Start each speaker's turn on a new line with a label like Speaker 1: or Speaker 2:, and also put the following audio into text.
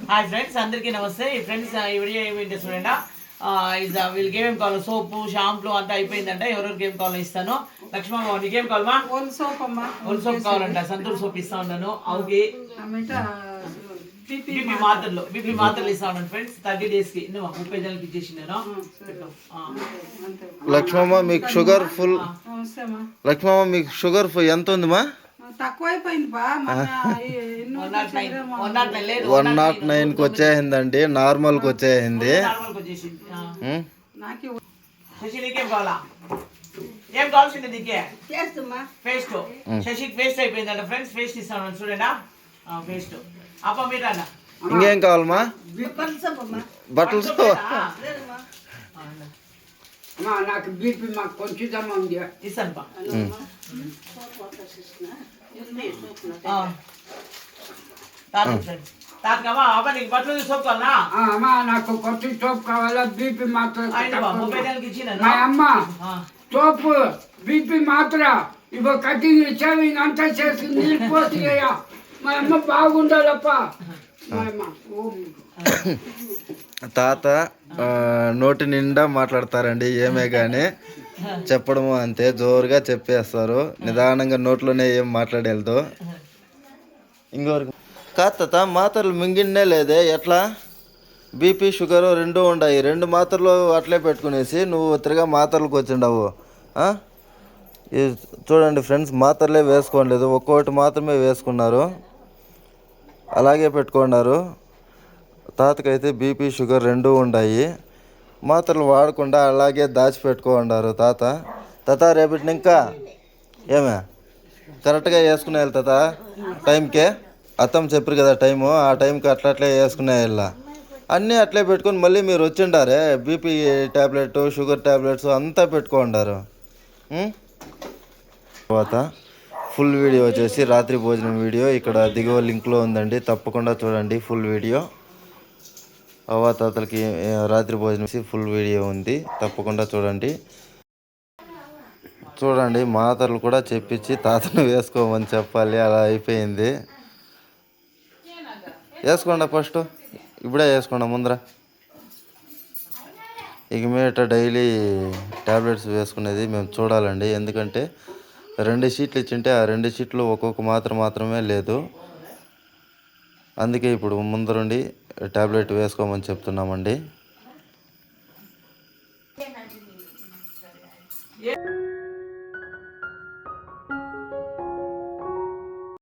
Speaker 1: Hi friends, అందరికీ నమస్తే. ఈ ఫ్రెండ్స్ ఈ వీడియో ఏమిటి చూడండి. వీళ్ళకి ఏమేమి కావాలో సోపు షాంపూ అంతా అయిపోయిందంట. ఎవరెవరికి ఏం కావాలో ఇస్తాను. లక్ష్మమ్మ నీకేం కావాలమ్మా?
Speaker 2: ఒళ్ళు
Speaker 1: సోప్ కావాలంట. సంతూర్ సోప్ ఇస్తా ఉన్నాను. అవుకి బీపీ మాత్రలు ఇస్తా ఉన్నాను ఫ్రెండ్స్. 30 days కి 30 జనాలకి ఇచ్చేసి నేను.
Speaker 3: లక్ష్మమ్మ మీకు షుగర్ ఫుల్. లక్ష్మమ్మ మీకు షుగర్ ఫుల్ ఎంత ఉందిమా? 109కి వచ్చేసిందండి. నార్మల్కి వచ్చేసింది.
Speaker 1: ఏం కావాల్సింది దీనికి? పేస్ట్. శశికి పేస్ట్ అయిపోయిందంట ఫ్రెండ్స్. పేస్ట్ ఇస్తాను చూడండి. పేస్ట్ అప్ప మీరు అన్న
Speaker 3: ఇంకేం కావాలమ్మా? బట్టలు
Speaker 2: నాకు బీపీ మాకు కొంచెం ఉంది
Speaker 1: ఇస్తాను. బట్టలు సోప్ కావాలా?
Speaker 2: నాకు కొంచెం సోప్ కావాలా. బీపీ మాత్రం
Speaker 1: 30 నెలలకి ఇచ్చిన
Speaker 2: అమ్మ సోపు బీపీ మాత్ర ఇగో కటింగ్ షేవింగ్ అంతా చేసి నీళ్ళు పోసి మా అమ్మ బాగుండాలప్ప.
Speaker 3: తాత నోటి నిండా మాట్లాడతారండి. ఏమే కానీ చెప్పడము అంతే, జోరుగా చెప్పేస్తారు. నిదానంగా నోట్లోనే ఏం మాట్లాడేదో. ఇంకొకరికి కాదు తాత, మాత్రలు మింగిన్నే లేదే ఎట్లా? బీపీ షుగర్ రెండు ఉన్నాయి. 2 మాత్రలు అట్లే పెట్టుకునేసి నువ్వు తిరగా మాత్రలకు వచ్చిండవు. చూడండి ఫ్రెండ్స్, మాత్రలే వేసుకోలేదు, ఒక్కొక్కటి మాత్రమే వేసుకున్నారు. అలాగే పెట్టుకున్నారు. తాతకైతే బీపీ షుగర్ 2 ఉన్నాయి. మాత్రలు వాడకుండా అలాగే దాచిపెట్టుకున్నారు తాత. రేపటి ఇంకా ఏమే కరెక్ట్గా వేసుకునే తాత టైంకే. అత్తం చెప్పారు కదా టైము, ఆ టైంకి అట్లే వేసుకునే వెళ్ళా. అన్నీ అట్లే పెట్టుకొని మళ్ళీ మీరు వచ్చిండారే బీపీ ట్యాబ్లెట్ షుగర్ ట్యాబ్లెట్స్ అంతా పెట్టుకుంటారు. తర్వాత ఫుల్ వీడియో వచ్చేసి రాత్రి భోజనం వీడియో ఇక్కడ దిగువ లింక్లో ఉందండి, తప్పకుండా చూడండి ఫుల్ వీడియో. తాతలకి రాత్రి భోజనం ఫుల్ వీడియో ఉంది, తప్పకుండా చూడండి. మాతలు కూడా చెప్పించి తాతను వేసుకోమని చెప్పాలి. అలా అయిపోయింది. వేసుకోండి ఫస్ట్, ఇప్పుడే వేసుకోండి ముందర. ఇక మీట డైలీ ట్యాబ్లెట్స్ వేసుకునేది మేము చూడాలండి. ఎందుకంటే 2 షీట్లు ఇచ్చింటే ఆ 2 షీట్లు ఒక్కొక్క మాత్రమే లేదు. అందుకే ఇప్పుడు ముందరుండి ట్యాబ్లెట్ వేసుకోమని చెప్తున్నామండి.